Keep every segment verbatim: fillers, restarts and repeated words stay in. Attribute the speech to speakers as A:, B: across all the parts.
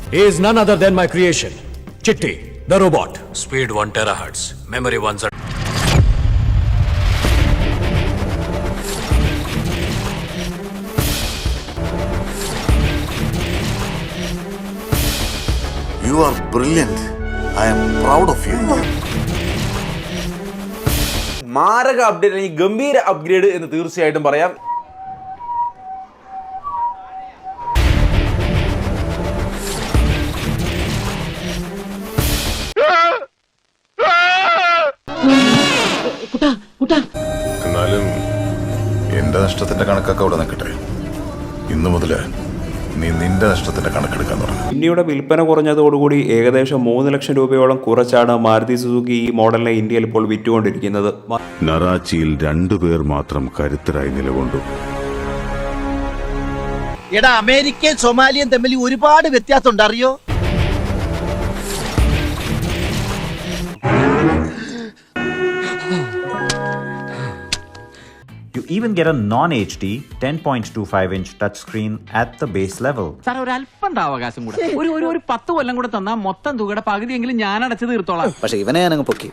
A: He is none other than my creation, Chitti, the robot. Speed one terahertz, memory one.
B: You are brilliant. I am proud of you.
C: മാരക update, ഈ ഗംഭീര upgrade എന്ന് തീർച്ചയായിട്ടും പറയാം.
B: എന്നാലും എന്റെ നഷ്ടത്തിന്റെ കണക്കൊക്കെ അവിടെ നിൽക്കട്ടെ. ഇന്നു മുതല് നീ നിന്റെ നഷ്ടത്തിന്റെ കണക്കെടുക്കാൻ തുടങ്ങും.
D: ഇന്ത്യയുടെ വിൽപ്പന കുറഞ്ഞതോടുകൂടി ഏകദേശം മൂന്ന് ലക്ഷം രൂപയോളം കുറച്ചാണ് മാരുതി സുസുക്കി ഈ മോഡലിനെ ഇന്ത്യയിൽ ഇപ്പോൾ വിറ്റുകൊണ്ടിരിക്കുന്നത്.
E: നറാച്ചിയിൽ രണ്ടുപേർ മാത്രം കരുത്തരായി നിലകൊണ്ടു.
F: എടാ, അമേരിക്കയും സൊമാലിയും തമ്മിൽ ഒരുപാട് വ്യത്യാസം ഉണ്ട്, അറിയോ?
G: You even get a non-H D ten point two five inch touchscreen at the base level.
H: Sir, ഒരു അല്പം അവകാശം കൂടെ, ഒരു ഒരു ഒരു പത്ത് കൊല്ലം കൂടെ തന്നാൽ മൊത്തം തുകയുടെ പകുതിയെങ്കിലും ഞാൻ അടച്ചു തീർത്തോളാം.
I: പക്ഷെ ഇവനെ ഞാനങ്ങ് പൊക്കി.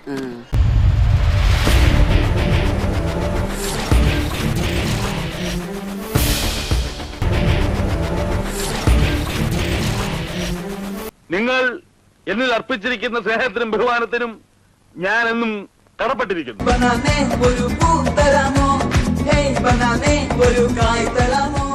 J: നിങ്ങൾ എന്നിൽ അർപ്പിച്ചിരിക്കുന്ന സ്നേഹത്തിനും ബഹുമാനത്തിനും ഞാൻ എന്നും കടപ്പെട്ടിരിക്കുന്നു.
K: ഒരു പൂ തരാമോ, ഹേയ് ബനാനേ ഒരു കായ് തരാമോ.